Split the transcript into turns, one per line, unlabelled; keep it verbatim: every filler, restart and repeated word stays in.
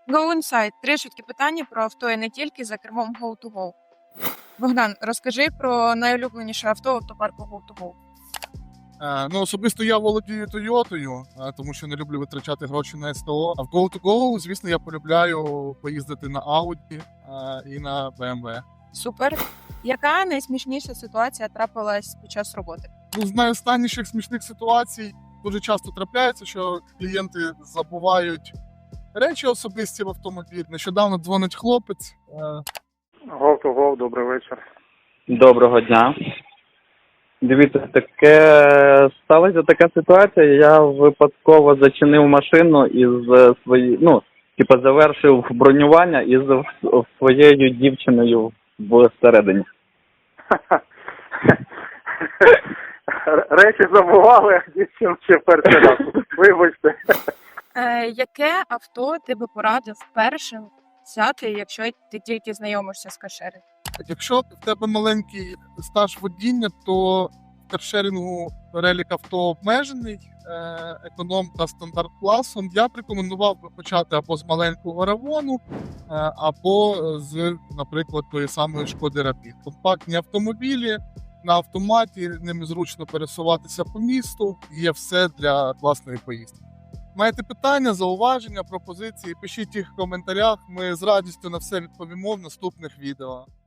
Go Inside. Три швидкі питання про авто і не тільки за кермом Go to Go. Богдан, розкажи про найулюбленіше авто автопарку Go to Go.
Е, ну, особисто я володію Тойотою, е, тому що не люблю витрачати гроші на СТО. А в Go to Go, звісно, я полюбляю поїздити на Audi е, і на бе ем ве.
Супер. Яка найсмішніша ситуація трапилась під час роботи?
Ну, з найостанніших смішних ситуацій дуже часто трапляється, що клієнти забувають речі особисті в автомобіль. Нещодавно дзвонить хлопець. Е,
Гов ту гов, добрий вечір.
Доброго дня. Дивіться, таке сталася така ситуація. Я випадково зачинив машину із свої, ну, типу, завершив бронювання із своєю дівчиною всередині.
Речі забували, а дівчину ще перший раз. Вибачте.
Е, яке авто ти би порадив першим взяти, якщо ти тільки знайомишся з каршерінгом?
Якщо в тебе маленький стаж водіння, то в каршерінгу перелік авто обмежений, е, економ та стандарт класом. Я б рекомендував би почати або з маленького Равону, е, або з, наприклад, тої самої Шкоди Рапід. Компактні автомобілі, на автоматі, ними зручно пересуватися по місту, є все для власної поїздки. Маєте питання, зауваження, пропозиції, пишіть їх в коментарях, ми з радістю на все відповімо в наступних відео.